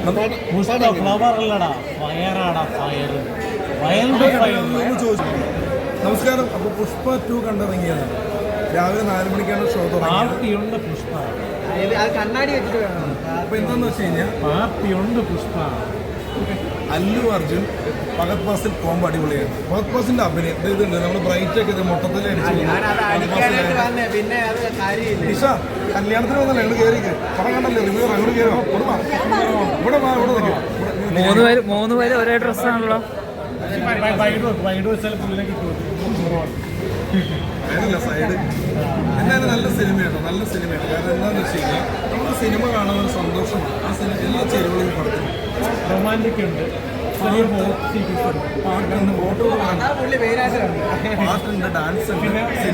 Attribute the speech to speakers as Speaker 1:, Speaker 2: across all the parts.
Speaker 1: നമസ്കാരം. അപ്പോൾ പുഷ്പ 2 കണ്ടിറങ്ങിയത് രാവിലെ 4 മണിക്കാണ് ഷോ തുടങ്ങിയത്.
Speaker 2: പുഷ്പ
Speaker 1: കണ്ണാടി വെച്ചിട്ട് വേണം. അപ്പോൾ എന്താണെന്ന് വെച്ച് കഴിഞ്ഞാൽ
Speaker 2: പാർട്ടിയുണ്ട് പുഷ്പ.
Speaker 1: അല്ലു അർജുൻ ഫഹദ് ഫാസിൽ കോംബോ അടിപൊളിയാണ്. ഫഹദ് ഫാസിന്റെ അഭിനയം ഇതുണ്ട്. നമ്മൾ ബ്രൈറ്റ് ഒക്കെ ഇത് മൊത്തത്തിൽ നിഷ കല്യാണത്തിന് വന്നല്ലേ ഞങ്ങൾ കയറി പടം കണ്ടല്ലേ റിവ്യൂ അങ്ങോട്ട് കയറുക. ഇവിടെ
Speaker 3: മൂന്ന് പേര് ഒരേ ഡ്രസ്സാണല്ലോ.
Speaker 1: സൈഡ് എന്തായാലും നല്ല സിനിമയാണ്. നല്ല സിനിമയാണ്. കാരണം എന്താണെന്ന് വെച്ച് കഴിഞ്ഞാൽ നമുക്ക് സിനിമ കാണുന്ന ഒരു സന്തോഷമാണ്. ആ സിനിമ എല്ലാ ചേരുവകളും പടത്തിൽ
Speaker 2: റൊമാൻറ്റിക് ഉണ്ട്,
Speaker 1: പാട്ടുണ്ട്, പാട്ടുണ്ട്, ഡാൻസ് ഉണ്ട്,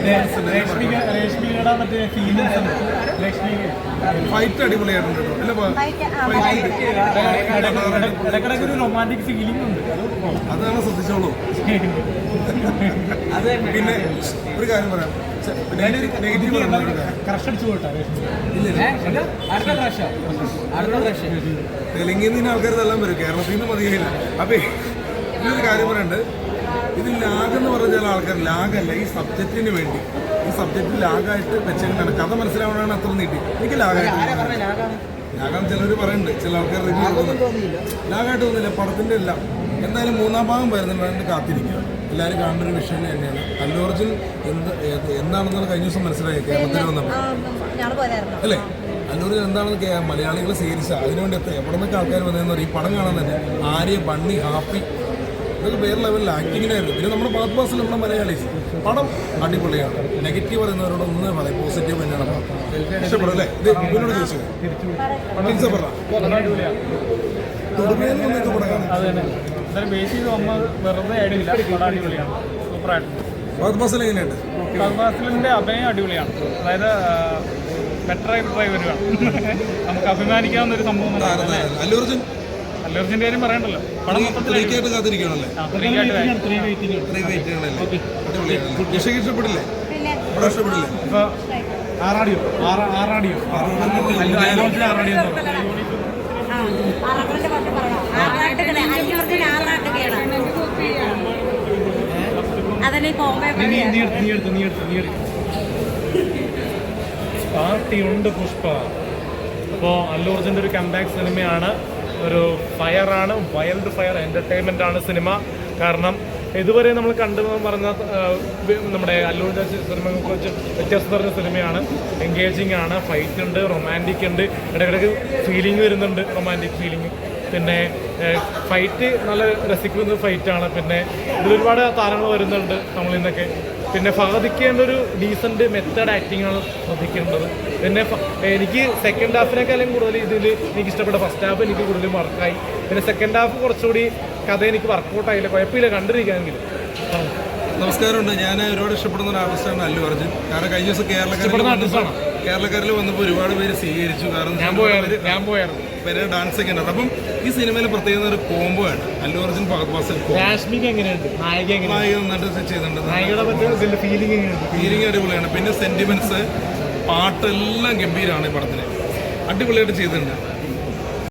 Speaker 1: ഫൈറ്റ് അടിപൊളിയായിട്ടുണ്ട് കേട്ടോ.
Speaker 2: റൊമാൻറ്റിക് ഫീലിംഗ് ഉണ്ട്,
Speaker 1: അതാണ് ശ്രദ്ധിച്ചോളൂ. പിന്നെ ഒരു കാര്യം പറയാം, തെലുങ്കിൽ നിന്ന് ആൾക്കാർ തല്ലാൻ വരും, കേരളത്തിൽ നിന്ന് മതിയായില്ല. അപ്പൊ ഇതൊരു കാര്യം പറയണ്ട്, ഇത് ലാഗെന്ന് പറഞ്ഞ ചില ആൾക്കാർ ലാഗല്ല, ഈ സബ്ജക്റ്റിന് വേണ്ടി ഈ സബ്ജക്റ്റ് ലാഗായിട്ട് വെച്ചിട്ടാണ് കഥ മനസ്സിലാവണമാണ് അത്ര നീട്ടി. എനിക്ക് ലാഗായിട്ട് ചിലർ പറയുന്നുണ്ട്, ചില ആൾക്കാർ റിവ്യൂ ലാഗായിട്ട് തോന്നില്ല പടത്തിന്റെ എല്ലാം. എന്തായാലും 3ാം ഭാഗം വരുന്നുണ്ട്, കാത്തിരിക്കുക. എല്ലാവരും കാണുന്ന ഒരു വിഷയം തന്നെയാണ്. അല്ലു അർജുൻ എന്താണെന്നുള്ള കഴിഞ്ഞ ദിവസം മനസ്സിലായി കേരളത്തിൽ വന്നപ്പോൾ അല്ലേ. അല്ലു അർജുൻ എന്താണെന്ന് മലയാളികൾ സ്വീകരിച്ച അതിനുവേണ്ടി എവിടെ നിന്നൊക്കെ ആൾക്കാർ വന്നതെന്ന് പറയും. ഈ പടം കാണാൻ തന്നെ ആര്യ, ബണ്ണി, ഹാപ്പി ഇതൊക്കെ വേറെ ലെവലിൽ ആക്ടിങ്ങിനായിരുന്നു. പിന്നെ നമ്മുടെ ഫഹദ് ഫാസിൽ നമ്മുടെ മലയാളീസ് പടം അടിപൊളിയാണ്. നെഗറ്റീവ് പറയുന്നവരോട് ഒന്നും പറയും, പോസിറ്റീവ് തന്നെയാണ്. ഇഷ്ടപ്പെടും അല്ലേ? ഇത് ഇവനോട് ചോദിച്ചത് ഫഹദ് ഫാസിൽ എങ്ങനെയുണ്ട്?
Speaker 2: ഫഹദ് ഫാസിലിന്റെ അഭിനയം അടിപൊളിയാണ്. അതായത് ബെറ്ററായിട്ട് ട്രൈ വരികയാണ്. നമുക്ക് അഭിമാനിക്കാവുന്ന ഒരു സംഭവം.
Speaker 1: അല്ലു അർജുൻ
Speaker 2: അല്ലർജിന്റെ കാര്യം പറയണ്ടല്ലോ. പടം
Speaker 1: മൊത്തത്തിലേക്കായിട്ട് കാത്തിരിക്കണല്ലേ. ഇഷ്ടപ്പെടില്ലേ? ഇഷ്ടപ്പെടില്ലേ?
Speaker 2: ഇപ്പൊ ആറാടിയോ പാർട്ടിയുണ്ട് പുഷ്പ. അപ്പോൾ അല്ലു അർജുൻ്റെ ഒരു കംബാക്ക് സിനിമയാണ്. ഒരു ഫയറാണ്, വൈൽഡ് ഫയർ എൻ്റർടൈൻമെൻ്റ് ആണ് സിനിമ. കാരണം ഇതുവരെ നമ്മൾ കണ്ടെന്ന് പറഞ്ഞ നമ്മുടെ അല്ലൂരിൻ്റെ സിനിമയെ കുറിച്ച് വ്യത്യസ്ത പറഞ്ഞ സിനിമയാണ്. എൻഗേജിങ് ആണ്, ഫൈറ്റ് ഉണ്ട്, റൊമാൻറ്റിക് ഉണ്ട്, ഇടയ്ക്കിടയ്ക്ക് ഫീലിംഗ് വരുന്നുണ്ട്, റൊമാൻറ്റിക് ഫീലിംഗ്. പിന്നെ ഫൈറ്റ് നല്ല രസിക്കുന്ന ഫൈറ്റാണ്. പിന്നെ ഇതിലൊരുപാട് താരങ്ങൾ വരുന്നുണ്ട് നമ്മളിൽ നിന്നൊക്കെ. പിന്നെ ഫഹദിക്കേണ്ട ഒരു ഡീസൻറ്റ് മെത്തേഡ് ആക്ടിങ് ആണ് ശ്രദ്ധിക്കേണ്ടത്. പിന്നെ എനിക്ക് സെക്കൻഡ് ഹാഫിനേക്കാളും കൂടുതൽ ഇതിൽ എനിക്ക് ഇഷ്ടപ്പെട്ട ഫസ്റ്റ് ഹാഫ് എനിക്ക് കൂടുതലും വർക്കായി. പിന്നെ സെക്കൻഡ് ഹാഫ് കുറച്ചുകൂടി കഥ എനിക്ക് വർക്കൗട്ടായില്ല, കുഴപ്പമില്ല കണ്ടിരിക്കാമെങ്കിലും.
Speaker 1: നമസ്കാരമുണ്ട്. ഞാൻ ഒരുപാട് ഇഷ്ടപ്പെടുന്ന ഒരു ആർട്ടിസ്റ്റാണ് അല്ലു അർജുൻ. കാരണം കഴിഞ്ഞ ദിവസം കേരളക്കാരിൽ വന്നപ്പോൾ ഒരുപാട് പേര് സ്വീകരിച്ചു. കാരണം
Speaker 2: ഞാൻ പോയായിരുന്നു
Speaker 1: പേര് ഡാൻസ് ഒക്കെ ഉണ്ട്. അപ്പം ഈ സിനിമയിൽ പ്രത്യേകം ഒരു കോംബോ ആണ് അല്ലു അർജുൻ ഫഹദ് ഫാസിൽ. നായിക നന്നായിട്ട് ചെയ്തിട്ടുണ്ട്. ഫീലിംഗ് അടിപൊളിയാണ്. പിന്നെ സെന്റിമെന്റ്സ്, പാട്ടെല്ലാം ഗംഭീരമാണ്. ഈ പടത്തിന് അടിപൊളിയായിട്ട് ചെയ്തിട്ടുണ്ട്.